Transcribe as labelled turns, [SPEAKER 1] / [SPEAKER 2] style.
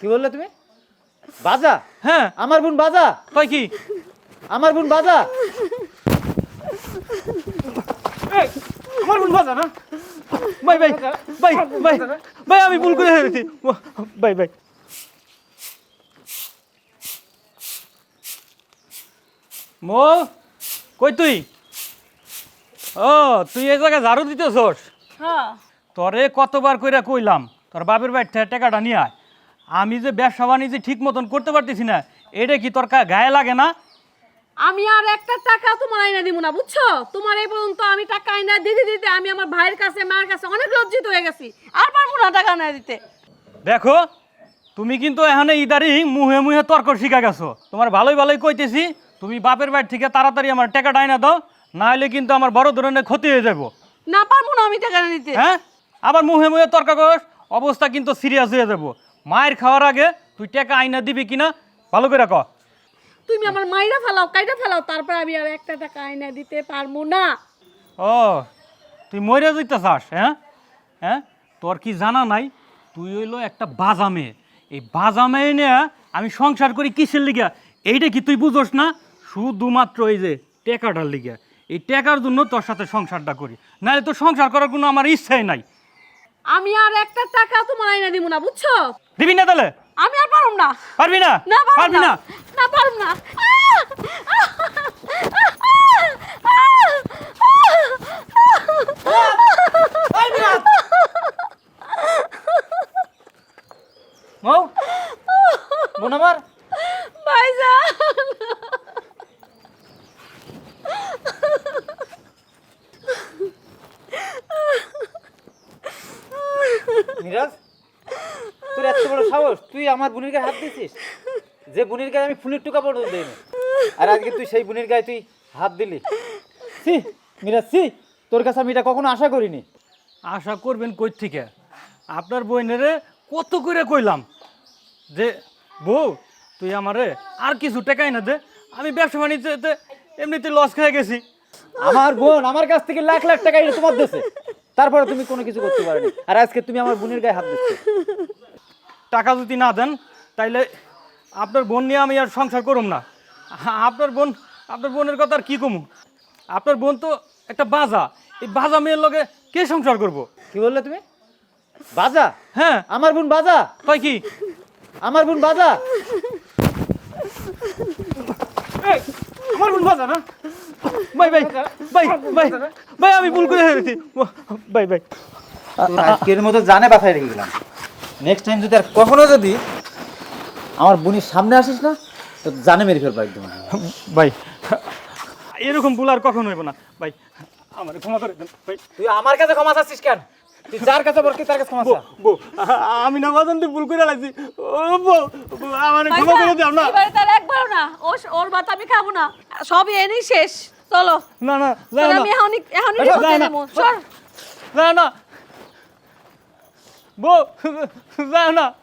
[SPEAKER 1] কি বললে তুমি? বাজা?
[SPEAKER 2] হ্যাঁ।
[SPEAKER 1] আমার বোন বাজা?
[SPEAKER 2] কয় কি?
[SPEAKER 1] আমার বোন বাজা?
[SPEAKER 2] এই, আমার বোন বাজা না? ভাই ভাই ভাই ভাই ভাই আমি ভুল করে ফেলেছি ভাই ভাই। মো কই তুই? ও তুই এই জায়গায় ঝাড়ু দিতেছস?
[SPEAKER 3] হ্যাঁ
[SPEAKER 2] তোরে কতবার কইরা কইলাম তোর বাপের বাড়ি থেকে টাকাটা নিয়ে আয়। আমি যে ব্যবসা বাণিজ্য ঠিক মতন করতে পারতেছি না, এটা কি তোর গায়ে লাগে না?
[SPEAKER 3] আমি আর একটা টাকা তোমার আইনা দিব না, বুঝছো? তোমার এই পর্যন্ত আমি টাকা আইনা দিতে দিতে আমি আমার ভাইয়ের কাছে মার কাছে অনেক লজ্জিত হয়ে গেছি। আর পারবো না টাকা আইনা দিতে।
[SPEAKER 2] দেখো তুমি কিন্তু এখানে ইদারিং মুহে মুহে তর্ক শিখা গেছো। তোমার ভালোই ভালোই কইতেছি, তুমি বাপের বাড়ি থেকে তাড়াতাড়ি আমার টাকাটা আইনা দাও, না হলে কিন্তু আমার বড় ধরনের ক্ষতি হয়ে যাবো।
[SPEAKER 3] না পারবো না আমি টাকা আইনা দিতে।
[SPEAKER 2] হ্যাঁ, আবার মুহে মুহে তর্ক করস, অবস্থা কিন্তু সিরিয়াস হয়ে যাবো। মায়ের খাওয়ার আগে তুই টাকা আইনা দিবি কিনা ভালো করে ক।
[SPEAKER 3] তুমি আমার মাইরা ফেলাও, কাইটা ফেলাও, তারপর আমি আর একটা টাকা আইনা দিতে পারবো না।
[SPEAKER 2] ও তুই মরে যেতে চাস? হ্যাঁ হ্যাঁ, তোর কি জানা নাই তুই হইলো একটা বাজা মেয়ে। এই বাজা মেয়ে নিয়ে আমি সংসার করি কিসের লিগা, এইটা কি তুই বুঝোস না? শুধুমাত্র এই যে টাকাটার লিগা, এই টাকার জন্য তোর সাথে সংসারটা করি, নাহলে তোর সংসার করার কোনো আমার ইচ্ছাই নাই।
[SPEAKER 3] আমি আর একটা টাকা তোমার আইনা দিব না, বুঝছো?
[SPEAKER 2] দিবি না তাহলে?
[SPEAKER 3] আমি আর পারুম না।
[SPEAKER 2] পারবি না?
[SPEAKER 3] না
[SPEAKER 2] পারবি না?
[SPEAKER 3] না পারুম না।
[SPEAKER 1] মৌ, বোন আমার,
[SPEAKER 3] ভাইজান
[SPEAKER 1] মিরাজ, তোর এত বড় সাহস, তুই আমার বোনের গায়ে হাত দিছিস? যে বোনের গায়ে আমি ফুলের টুকা পর্যন্ত দিইনি, আর আজকে তুই সেই বোনের গায়ে তুই হাত দিলি? সি মিরাজ, সি, তোর কাছে আমি এটা কখনো আশা করিনি।
[SPEAKER 2] আশা করবেন কই থেকে? আপনার বইনেরে কত করে কইলাম যে বউ তুই আমারে আর কিছু টাকাই না দে, আমি ব্যবসা বাণিজ্যতে এমনিতে লস খেয়ে গেছি।
[SPEAKER 1] আমার বোন আমার কাছ থেকে লাখ লাখ টাকা এটা তোমার দেশে, তারপরে তুমি কোনো কিছু করতে পারোনি, আর আজকে তুমি আমার বোনের গায়ে হাত দিচ্ছ।
[SPEAKER 2] টাকা যদি না দেন তাইলে আপনার বোন নিয়ে আমি আর সংসার করুম না। আপনার বোনের কথা আর কী কমু? আপনার বোন তো একটা বাজা, এই বাজা মেয়ের লগে কে সংসার করব?
[SPEAKER 1] কি বললে তুমি? বাজা?
[SPEAKER 2] হ্যাঁ।
[SPEAKER 1] আমার বোন বাজা?
[SPEAKER 2] তাই কি?
[SPEAKER 1] আমার বোন বাজা?
[SPEAKER 2] এই, আমার বোন বাজা না? ভাই ভাই ভাই ভাই ভাই আমি ভুল করে ফেলেছি ভাই ভাই।
[SPEAKER 1] তোর আজকের মতো জানে বাসায় রেখে গেলাম। নেক্সট টাইম যদি আর কখনো যদি আমার বোনের সামনে আসিস না, তো জানে মেরে ফেলবো একদম।
[SPEAKER 2] ভাই এরকম ভুল আর কখনো হইব না ভাই, আমার ক্ষমা করে দেন ভাই।
[SPEAKER 1] তুই আমার কাছে ক্ষমা চাচ্ছিস কেন? তুই যার কাছে বলছিস তার কাছে ক্ষমা চা।
[SPEAKER 2] বউ আমি না বাজান ভুল করে লাগছি। ও বউ আমার ক্ষমা করে দাও না।
[SPEAKER 3] এবারে তার একবারও না, ওর ভাত আমি খাবো না, সবই এনেই শেষ। চলো
[SPEAKER 2] না না
[SPEAKER 3] চলো,
[SPEAKER 2] না
[SPEAKER 3] আমি এখনই
[SPEAKER 2] না, না।
[SPEAKER 3] সর।
[SPEAKER 2] না না বউ, যাও না।